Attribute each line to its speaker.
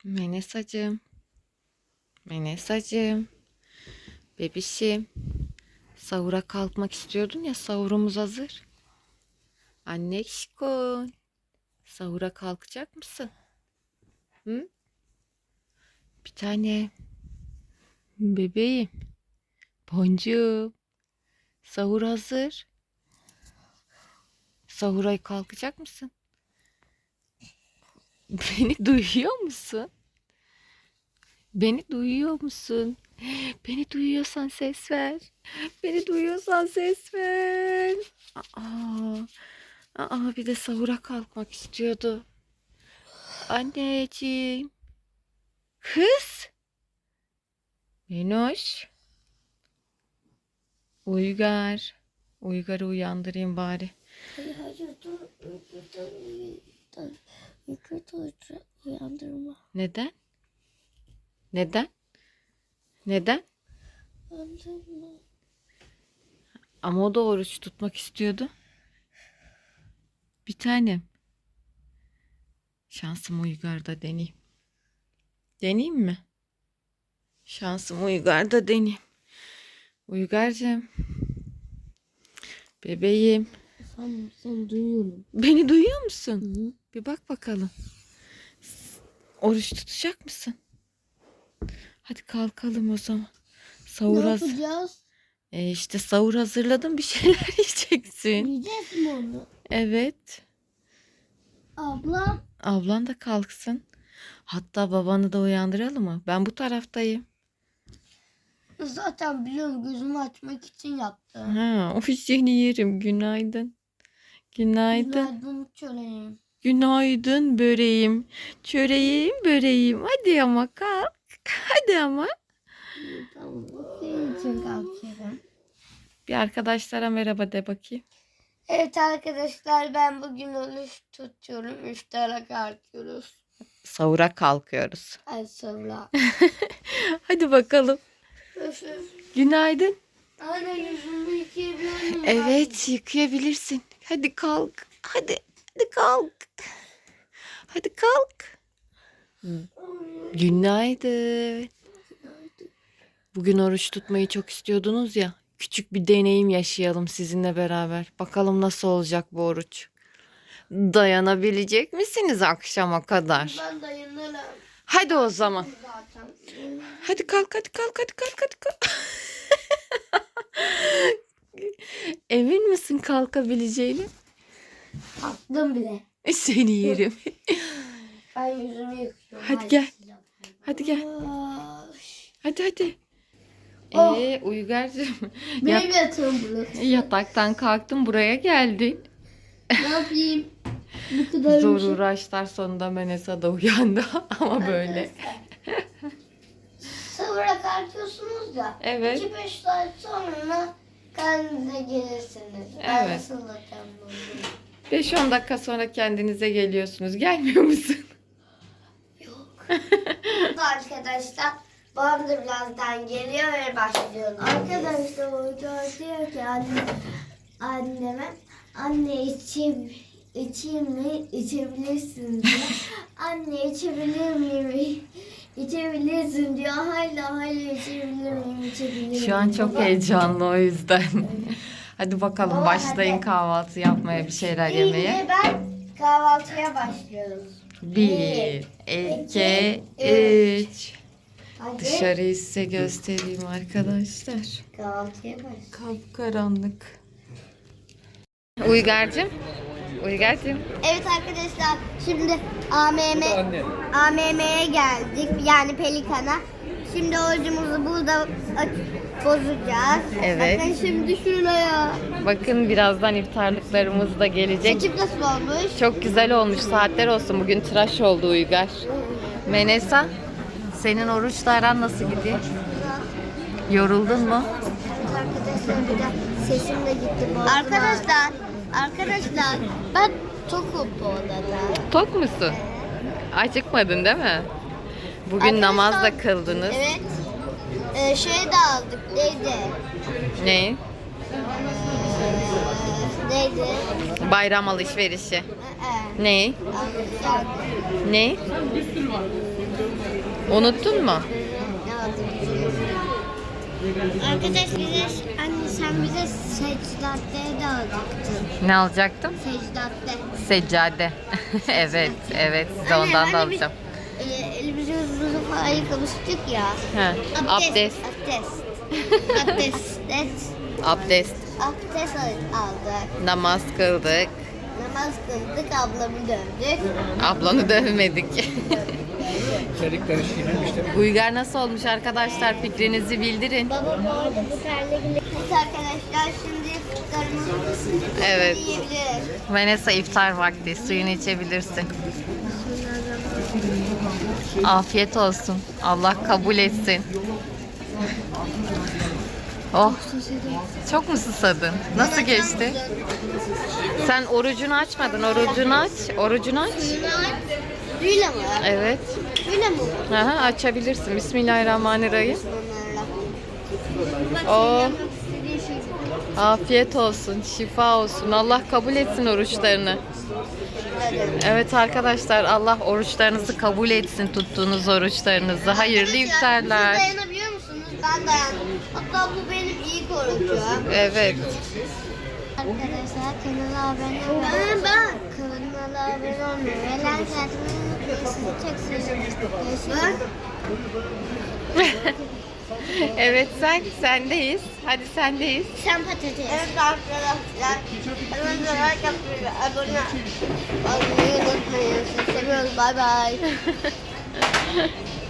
Speaker 1: Menesacığım, Menesacığım, bebişim. Sahura kalkmak istiyordun ya, sahurumuz hazır. Anneşko, sahura kalkacak mısın? Hı? Bir tane bebeğim. Boncuğum, sahur hazır. Sahura kalkacak mısın? Beni duyuyor musun? Beni duyuyor musun? Beni duyuyorsan ses ver. Beni duyuyorsan ses ver. Aa, bir de sahura kalkmak istiyordu. Anneciğim. Kız. Menoş. Uygar. Uygar'ı uyandırayım bari.
Speaker 2: Hayır dur. Uykuda uyandırma.
Speaker 1: Neden? Neden? Neden?
Speaker 2: Uyandırma.
Speaker 1: Ama o da oruç tutmak istiyordu. Bir tanem. Şansım Uygar'da deneyeyim. Deneyeyim mi? Şansım Uygar'da deneyeyim. Uygar'cığım. Bebeğim.
Speaker 2: Sen duyuyorum.
Speaker 1: Beni duyuyor musun?
Speaker 2: Hı.
Speaker 1: Bir bak bakalım. Oruç tutacak mısın? Hadi kalkalım o zaman. Sahur
Speaker 2: Ne yapacağız?
Speaker 1: işte sahur hazırladım, bir şeyler yiyeceksin.
Speaker 2: Yiyeceğiz mi onu?
Speaker 1: Evet.
Speaker 2: Abla.
Speaker 1: Ablan da kalksın. Hatta babanı da uyandıralım mı? Ben bu taraftayım.
Speaker 2: Zaten biliyorum, gözümü açmak için yaptım.
Speaker 1: Ha, o seni yerim. Günaydın. Günaydın.
Speaker 2: Günaydın çöreğim.
Speaker 1: Günaydın böreğim. Çöreğim, böreğim. Hadi ama kalk. Hadi ama.
Speaker 2: Tamam, senin için kalkıyorum.
Speaker 1: Bir arkadaşlara merhaba de bakayım.
Speaker 2: Evet arkadaşlar, ben bugün oruç tutuyorum. İftara kalkıyoruz.
Speaker 1: Sahura kalkıyoruz.
Speaker 2: Ay sonra.
Speaker 1: Hadi bakalım.
Speaker 2: Öf öf.
Speaker 1: Günaydın.
Speaker 2: Anne, yüzümü yıkayabilir miyim?
Speaker 1: Evet, yıkayabilirsin. Hadi kalk. Hadi kalk. Hadi kalk. Günaydın. Bugün oruç tutmayı çok istiyordunuz ya. Küçük bir deneyim yaşayalım sizinle beraber. Bakalım nasıl olacak bu oruç. Dayanabilecek misiniz akşama kadar?
Speaker 2: Ben dayanırım.
Speaker 1: Hadi o zaman.
Speaker 2: Zaten.
Speaker 1: Hadi kalk, hadi kalk, hadi kalk, hadi kalk. Emin misin kalkabileceğini?
Speaker 2: Kalktım bile.
Speaker 1: Seni yerim.
Speaker 2: Ben yüzümü yıkıyorum.
Speaker 1: Hadi gel. Hadi gel. Hadi.
Speaker 2: Oh.
Speaker 1: Uygar'cığım.
Speaker 2: Benim yatağım burası.
Speaker 1: Yataktan kalktın, buraya geldin.
Speaker 2: Ne yapayım? Bu kadar
Speaker 1: Zor
Speaker 2: bir şey.
Speaker 1: uğraşlar sonunda Menesa da uyandı ama böyle.
Speaker 2: Sahura kalkıyorsunuz ya.
Speaker 1: Evet.
Speaker 2: 2-5 saat sonra kendinize gelirsiniz. Ben
Speaker 1: Evet.
Speaker 2: nasıl olacağım bunu?
Speaker 1: 5-10 dakika sonra kendinize geliyorsunuz. Gelmiyor musun?
Speaker 2: Yok. Arkadaşlar, babam da birazdan geliyor ve başlıyoruz. Arkadaşlar, hoca diyor ki anneme, anne içeyim mi? İçebilirsin diyor. Anne içebilir miyim? İçebilirsin diyor. Hala içebilir miyim? İçebilir
Speaker 1: Şu an
Speaker 2: miyim?
Speaker 1: çok
Speaker 2: Baba,
Speaker 1: heyecanlı o yüzden. Hadi bakalım,
Speaker 2: Baba,
Speaker 1: başlayın
Speaker 2: hadi.
Speaker 1: kahvaltı yapmaya, bir şeyler yemeye.
Speaker 2: Şimdi ben kahvaltıya başlıyorum.
Speaker 1: 1, 2, 3.
Speaker 2: Hadi
Speaker 1: Dışarıyı size göstereyim arkadaşlar.
Speaker 2: kahvaltıya başlıyorum.
Speaker 1: Kapkaranlık. Uygar'cığım.
Speaker 2: Evet arkadaşlar, şimdi AMM'ye geldik, yani Pelikan'a. Şimdi orucumuzu burada bozacağız.
Speaker 1: Evet.
Speaker 2: Bakın şimdi şuraya.
Speaker 1: Bakın birazdan iftarlıklarımız da gelecek.
Speaker 2: Saçım nasıl olmuş?
Speaker 1: Çok güzel olmuş. Saatler olsun. Bugün tıraş oldu Uygar. Menesa, senin oruçla aran nasıl gidiyor? Yoruldun mu?
Speaker 2: Arkadaşlar, bir de sesim de gitti. Arkadaşlar ben tokum bu odada.
Speaker 1: Tok musun? Acıkmadın değil mi? Bugün
Speaker 2: Arkadaşlar,
Speaker 1: namaz da kıldınız.
Speaker 2: Evet. Şey de aldık. Neydi?
Speaker 1: Ne?
Speaker 2: Neydi?
Speaker 1: Bayram alışverişi. Ne?
Speaker 2: Aldık.
Speaker 1: Ne? Unuttun mu?
Speaker 2: Ne aldığımızı. Arkadaş bize, anne sen bize secdadeye de alacaktın.
Speaker 1: Ne alacaktım?
Speaker 2: Secdade.
Speaker 1: Seccade. Evet, evet. Size
Speaker 2: Anne,
Speaker 1: ondan da
Speaker 2: hani biz,
Speaker 1: alacağım.
Speaker 2: elimizi yüzümüzü falan yıkamıştık ya.
Speaker 1: He. Abdest.
Speaker 2: Abdest.
Speaker 1: Abdest.
Speaker 2: Abdest aldık.
Speaker 1: Namaz kıldık.
Speaker 2: Namaz kıldık, ablamı dövdük.
Speaker 1: Ablanı dövmedik.
Speaker 3: İçerikleri şiirmişler.
Speaker 1: Uygar nasıl olmuş arkadaşlar? Fikrinizi bildirin.
Speaker 2: Baba bu arada bu terle Evet arkadaşlar, şimdi iftarımızı
Speaker 1: Evet.
Speaker 2: yiyebiliriz.
Speaker 1: Vanessa iftar vakti. Suyunu içebilirsin. Afiyet olsun. Allah kabul etsin. Oh. Çok mu susadın? Nasıl geçti? Sen orucunu açmadın. Orucunu aç. Orucunu aç.
Speaker 2: Suyla mı?
Speaker 1: Evet.
Speaker 2: Suyla mı?
Speaker 1: Aha, açabilirsin. Bismillahirrahmanirrahim.
Speaker 2: Bak,
Speaker 1: Oo.
Speaker 2: yapmak istediği şey.
Speaker 1: Afiyet olsun. Şifa olsun. Allah kabul etsin oruçlarını. Evet arkadaşlar, Allah oruçlarınızı kabul etsin, tuttuğunuz oruçlarınızı. Hayırlı
Speaker 2: Arkadaşlar,
Speaker 1: iftarlar.
Speaker 2: Siz dayanabiliyor musunuz? Ben dayandım. Hatta bu benim iyi korucu.
Speaker 1: Evet.
Speaker 2: Arkadaşlar kanala abone olmayı, kanala abone olmayı ve like atmayı unutmayın. Çok seviyorum.
Speaker 1: Evet, sendeyiz. Hadi sendeyiz.
Speaker 2: Sen patates. Evet arkadaşlar. Kanala like atmayı ve abone olmayı unutmayın. Sizi seviyoruz. Bay bay.